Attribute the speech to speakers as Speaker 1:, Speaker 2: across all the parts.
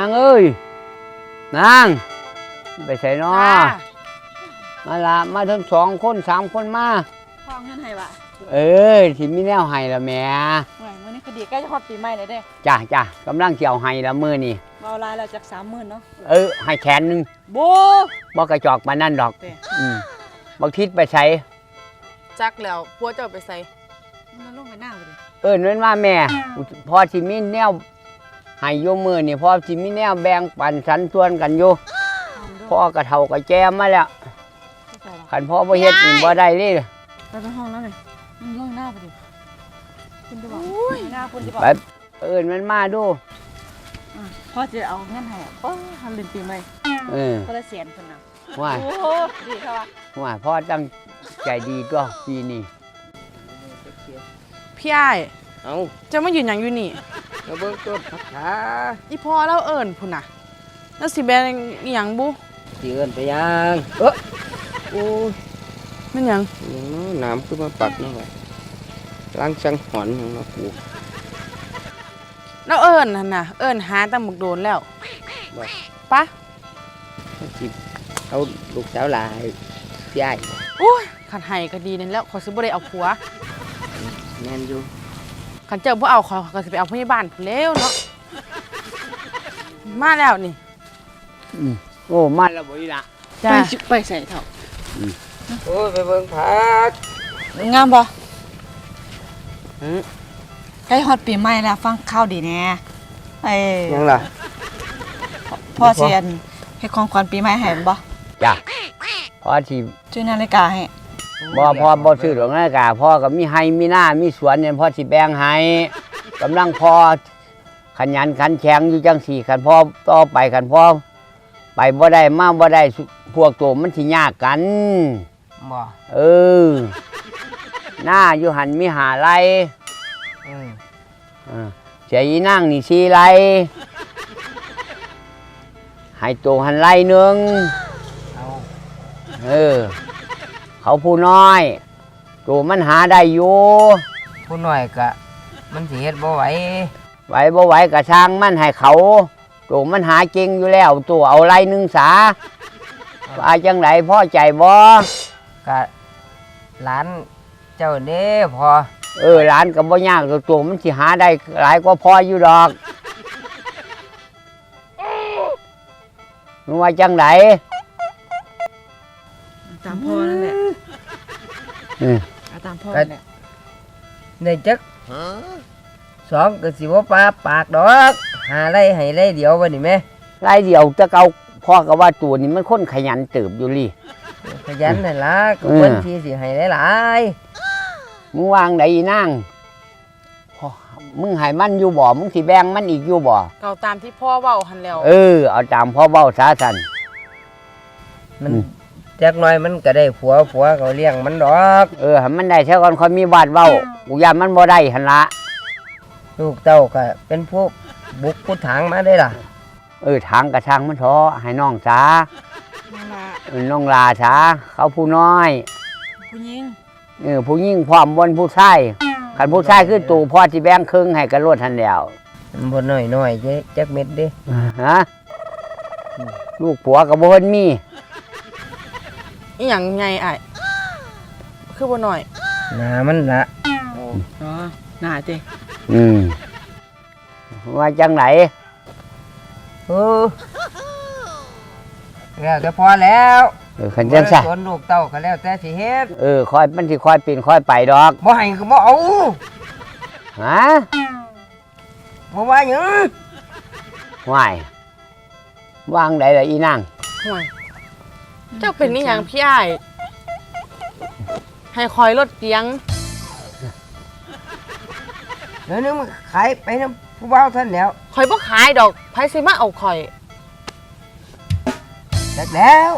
Speaker 1: างเอ้ยนางไปใส่นอมาละมาทั้ง2 คน3 คนมา
Speaker 2: พ่อเงินให้บ่
Speaker 1: ที่มีแนวให้ละแม่
Speaker 2: มื้อนี้ก็ดีใกล้จะฮอดปีใหม่แล้วเด้
Speaker 1: จ้ากำลังเกี่ยวให้ละมื้อนี่
Speaker 2: เบาลายแล้วจาก30,000เนาะ
Speaker 1: ให้แขนนึงบ่กระจอกมานั่นดอกบักทิศไปใส่
Speaker 3: จักแล้วพัวเจ้าไปใส่
Speaker 2: มันลงไปหน้าบ่
Speaker 1: ดินั่นว่าแม่พอสิมีแนวให้อยู่มื้อนี่พอสิมีแนวแบ่งปันสันส่วนกันอยู่พ่อกระเฒ่ากระแจมมาแล้วคันพ่อบ่เฮ็ดนี่บ่ได้เลย
Speaker 2: ไปห้องแล้วเลยมันลงหน้าบ่ดิคุณจะบอกหน้าคุณจะบอก
Speaker 1: ไปมันมาดู
Speaker 2: พ่อจะเอาเงินให้ทำเป็นปีใหม่คนละ100,000เพิ่นน่ะ
Speaker 1: ว่า
Speaker 2: โอ้ดีค่ะ
Speaker 1: ว่าพ่อตั้งใจดีตัวปีนี้
Speaker 3: พี่อ้ายจะมายืนหยังอยู่นี่
Speaker 1: เราเบิ่งต้นผักขา
Speaker 3: อีพ่อเราเอิ้นพุ่นน่ะแล้วสิแบ่งอีหยังบุ
Speaker 1: สิเอิ้นไปยังโอ้ย
Speaker 3: มันหยัง
Speaker 1: น้ำคือมาปักนี่แหละล้างสังหอนของเราปลูก
Speaker 3: แล้วเอิ้นนั่นน่ะเอิ้นหาตั้งหมกโดนแล้วปะ
Speaker 1: จิบเอาลูกสาวหลายพี่อ้าย
Speaker 3: โอ้ยขันไห้ก็ดีนั่นแล้วขอซื้อบ่ได้เอาผัว
Speaker 1: แม่นอยู่
Speaker 3: ขันเจอบ่เอาขอก็สิไปเอาพยาบาลพุ่นแล้วเนาะมาแล้วนี่
Speaker 1: โอ้มาแล้วบ่อีละ
Speaker 3: จ้าไปใส่เถา
Speaker 1: โอ้ยไปเบิ่งผัก
Speaker 2: งามบ่ใกล้ฮอดปีใหม่แล้วฟังข้าวดีแน่
Speaker 1: ยังล่ะ
Speaker 2: พ่อเสียนให้ของขวัญปีใหม่ให้บ่
Speaker 1: จ้ะพ่อสิ
Speaker 2: ซื้อนาฬิกาให้
Speaker 1: พ่อบ่ซื้อดอกนาฬิกาพ่อก็มีให้มีหน้ามีสวนเนี่ยพ่อสิแบ่งให้กำลังพ่อขยันขันแข็งอยู่จังสี่ขันพ่อต่อไปขันพ่อไปบ่ได้มาบ่ได้พวกตัวมันสิยากกัน
Speaker 4: บ่
Speaker 1: หน้าอยู่หันมีหาไรเสียอีนั่งนี่4 ไรให้ตัวหันไรนึงเขาผู้น้อยตัวมันหาได้อยู่
Speaker 4: ผู้น้อยก็มันสิเฮ็ดบ่ไหว
Speaker 1: บ่ไหวก็ช่างมันให้เขาตัวมันหาเก่งอยู่แล้วตัวเอาไรนึงสาว่าจังไหนพ่อใจบ่
Speaker 4: ก็หลานเจ้าเด้พอ
Speaker 1: หลานก็บ่ยากตัวมันสิหาได้หลายกว่าพ่ออยู่ดอกมึงว่าจังไหน
Speaker 2: ตามพ่อนั่นแหละตามพ่อนั่นแหละ
Speaker 4: ได้จัก2ก็สิบ่ปากดอกหาไรให้ไรเดียวบ่นี่แม่
Speaker 1: ไรเดียวจะเก่าพ่อก็ว่าตัวนี้มันคนขยันเติบอยู่ลี่
Speaker 4: ขยันนั่นล่ะก็เพิ่นที่สิให้หลาย
Speaker 1: มึงวางได้อีนางมึงให้มันอยู่บ่มึงสิแบ่งมันอีกอยู่บ่
Speaker 3: เก่าตามที่พ่อเว้าหั่นแล้ว
Speaker 1: เอาตามพ่อเว้าซะซั่น
Speaker 4: มันจักหน่อยมันก็ได้ผัวก็เลี้ยงมันดอก
Speaker 1: ให้มันได้เท่าก่อนค่อยมีบาดเว้ากูย่านมันบ่ได้หั่นละ
Speaker 4: ลูกเต้าก็เป็นผู้บุกผู้ถางมาได้ล่ะ
Speaker 1: ทางกระช่างมันท้อให้น้องซาน้องลาซาเขาผู้น้อย
Speaker 2: ผู้หญิง
Speaker 1: ผู้หญิงพร้อมบนผู้ชายคันผู้ชายคือตู่พ่อสิแบ่งครึ่งให้กันรวดทันแล้ว
Speaker 4: บ่น้อยจักเม็ดเด้
Speaker 1: ลูกผัวก็บ่เพิ่นมี
Speaker 3: อีหยังไงอ้ายคือบ่น้อย
Speaker 4: หน้ามันละ
Speaker 2: หน้าติ
Speaker 1: ว่าจังไหน
Speaker 4: แล้วแต่พอแล้ว
Speaker 1: คันจังซั่น
Speaker 4: ส่วนลูกเต้าก็แล้วแต่สิเฮ็ด
Speaker 1: ค่อยมันสิค่อยปีนค่อยไปดอก
Speaker 4: บ่ให้ก็บ่เอาบ่ว่าหยัง
Speaker 1: ว่ายวางได้ล่ะอีนาง
Speaker 3: ห่วยเจ้าเป็นนี่หยังพี่อ้ายให้คอยรถเกียง
Speaker 4: เดี๋ยวนึงมันขายไปนำผู้บ่าวท่านแล้ว
Speaker 3: คอยบ่ขายดอกไผสิมาเอาข่อย
Speaker 4: แล้ว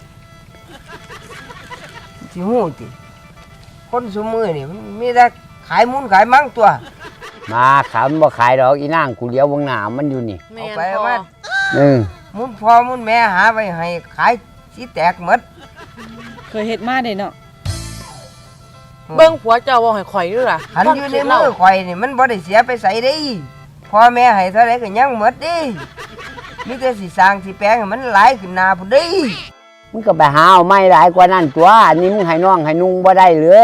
Speaker 4: สิฮู้ติคนซุมื้อนี่มันมีแต่ขายมุนขายมั่งตัว
Speaker 1: มาขายมันบ่ขายดอกอีนางกูเลี้ยวเบิ่งหน้ามันอยู่นี่
Speaker 4: เอาไปว่ามุนพ่อมุนแม่หาไว้ให้ขายสิแตกหมด
Speaker 2: เคยเฮ็ดมาเด้เนาะ
Speaker 3: เบิ่งผัวเจ้าบ่ให้ข่อยด้วยล่ะ
Speaker 4: หันอยู่ในมือข่อยนี่มันบ่ได้เสียไปไสเด้พ่อแม่ให้เท่าไรก็ยังหมดเด้มีแต่สิสร้างสิแปลงให้มันหลายขึ้นหน้าพุ่นเด้
Speaker 1: มึงก็ไปหาเอาไม้หลายกว่านั้นตัวอันนี้มึงให้น้องให้นุ่งบ่ได้หรือ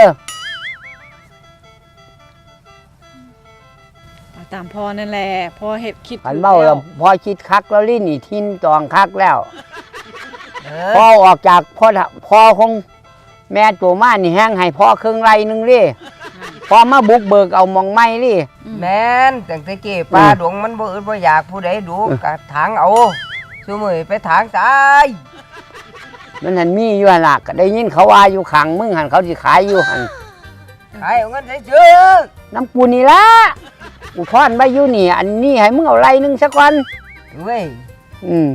Speaker 2: เอาตามพ่อนั่นแหละพ่อเฮ็ดคิด
Speaker 1: ขันเบ้าแล้วพอคิดคักแล้วลิ้นนี่ทินตองคักแล้ว
Speaker 4: เอ
Speaker 1: พอ
Speaker 4: อ
Speaker 1: ออกจากพ่อของแม่ตัวมานี่แห้งให้พ่อเครื่องไรหนึงดิพอมาบุกเบิกเอามองไม้ดิ
Speaker 4: แม่นตั้งแต่เก้ปลาดงมันบ่อึดบ่อยากผู้ใดดูกะถางเอาซุมื้อไปถางตาย
Speaker 1: มันหันมีอยู่หั่นล่ะก็ได้ยินเขาว่าอยู่ขังมึงหันเขาสิขายอยู่หัน
Speaker 4: ขายเอาเงินได้ซื้อ
Speaker 1: น้ำปูนี่ละกูทอนไว้อยู่นี่ อันนี้ให้มึงเอาไรหนึงสักวัน
Speaker 4: เว้ย
Speaker 1: อืม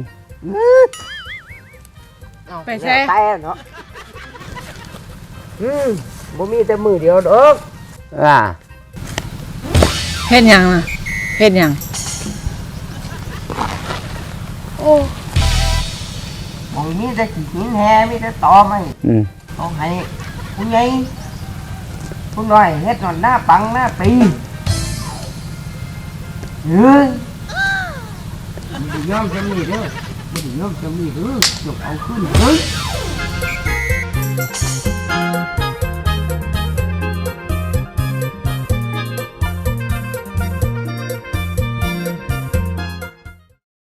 Speaker 2: ไปใช่
Speaker 4: แต่เนาะบ่มีแต่มือเดียวดอก
Speaker 1: อ่า
Speaker 2: เฮ็ดหยังล่ะเฮ็ดหยัง
Speaker 4: บ่มีแต่ขี้หินแฮมีแต่ตอไม้
Speaker 1: อืม
Speaker 4: ต้องให้ผู้ใหญ่ผู้น้อยเฮ็ดนอนหน้าปังหน้าปีเฮ้ยมันสิยอมจะมีเด้อมันสิยอมจะมีเด้อจกเอาขึ้นเฮ้ย